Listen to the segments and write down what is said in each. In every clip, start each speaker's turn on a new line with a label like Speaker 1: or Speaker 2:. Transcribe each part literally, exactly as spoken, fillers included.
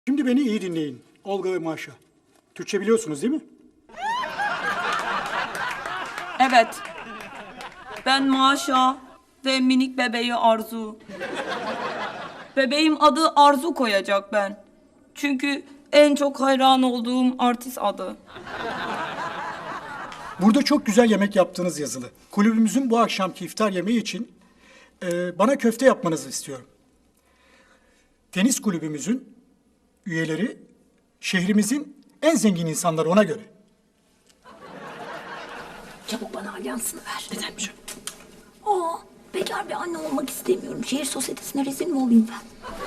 Speaker 1: Şimdi beni iyi dinleyin. Olga ve Maşa. Türkçe biliyorsunuz değil mi?
Speaker 2: Evet. Ben Maşa ve minik bebeği Arzu. Bebeğim adı Arzu koyacak ben. Çünkü en çok hayran olduğum artist adı.
Speaker 1: Burada çok güzel yemek yaptığınız yazılı. Kulübümüzün bu akşamki iftar yemeği için e, bana köfte yapmanızı istiyorum. Tenis kulübümüzün üyeleri şehrimizin en zengin insanları, ona göre.
Speaker 3: Çabuk bana alyansını ver. Nedenmiş o? Aa, bekar bir anne olmak istemiyorum. Şehir sosyetesine rezil mi olayım ben?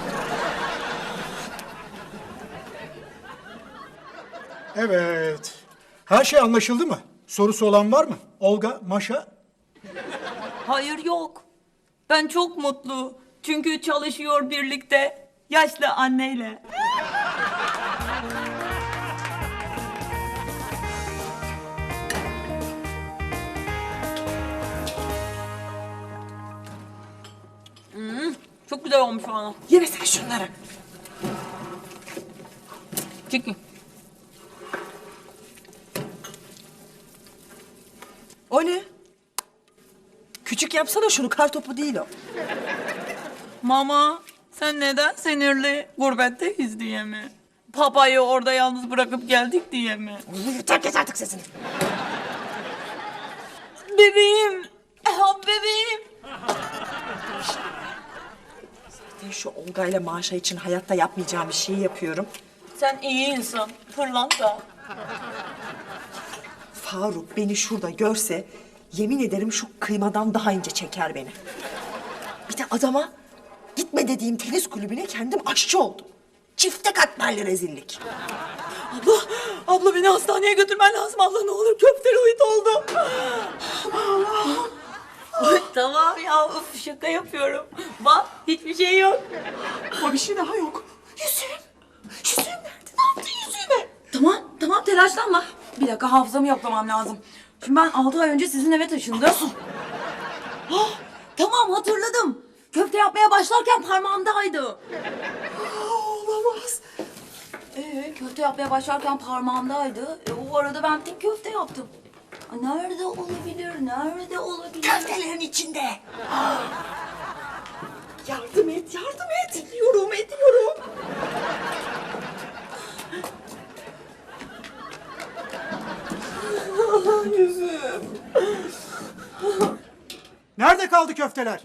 Speaker 1: Evet. Her şey anlaşıldı mı? Sorusu olan var mı? Olga, Maşa?
Speaker 2: Hayır yok. Ben çok mutlu. Çünkü çalışıyor birlikte yaşlı anneyle. Hmm, çok güzel olmuş bana.
Speaker 4: Yemesene şunları.
Speaker 2: Çekin.
Speaker 4: O ne? Küçük yapsana şunu, kar topu değil o.
Speaker 2: Mama, sen neden sinirli? Gurbetteyiz diye mi? Papayı orada yalnız bırakıp geldik diye mi?
Speaker 4: Terk et artık sesini.
Speaker 2: Bebeğim! Ah, bebeğim!
Speaker 4: Ben şu Olga ile Maşa için hayatta yapmayacağım bir şeyi yapıyorum.
Speaker 2: Sen iyi insan, pırlanta.
Speaker 4: Faruk beni şurada görse yemin ederim şu kıymadan daha ince çeker beni. Bir de adama gitme dediğim tenis kulübüne kendim aşçı oldum. Çifte katmerli rezillik.
Speaker 2: Abla, abla beni hastaneye götürmen lazım. Abla ne olur köfteloid oldum. Ay, tamam ya, uf, şaka yapıyorum. Bak, hiçbir şey yok.
Speaker 4: Ama bir şey daha yok. Yüzüğüm. Yüzüğüm nerede? Ne yaptın yüzüğüme?
Speaker 5: Tamam, tamam telaşlanma. Bir dakika hafızamı yoklamam lazım. Şimdi ben altı ay önce sizin eve taşındım. Ah, tamam hatırladım. Köfte yapmaya başlarken parmağımdaydı.
Speaker 4: Olamaz.
Speaker 5: Ee, köfte yapmaya başlarken parmağımdaydı. E, o arada ben tek köfte yaptım. Ay, nerede olabilir, nerede olabilir?
Speaker 4: Köftelerin içinde. Yardım et, yardım et. Ediyorum, ediyorum. Yüzüm.
Speaker 1: Nerede kaldı köfteler?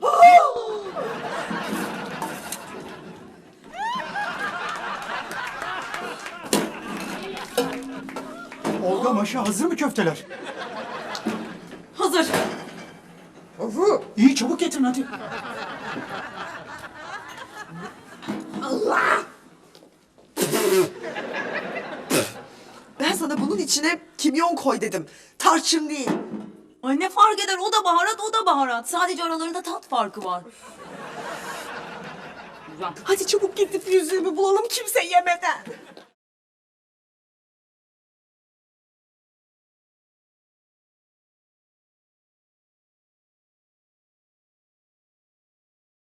Speaker 1: Olga, Maşa hazır mı köfteler?
Speaker 5: Hazır.
Speaker 1: İyi, çabuk getirin hadi.
Speaker 4: Ben sana bunun içine kimyon koy dedim. Tarçın değil.
Speaker 5: Ay ne fark eder, o da baharat, o da baharat. Sadece aralarında tat farkı var.
Speaker 4: Hadi çabuk gidip yüzüğümü bulalım kimse yemeden.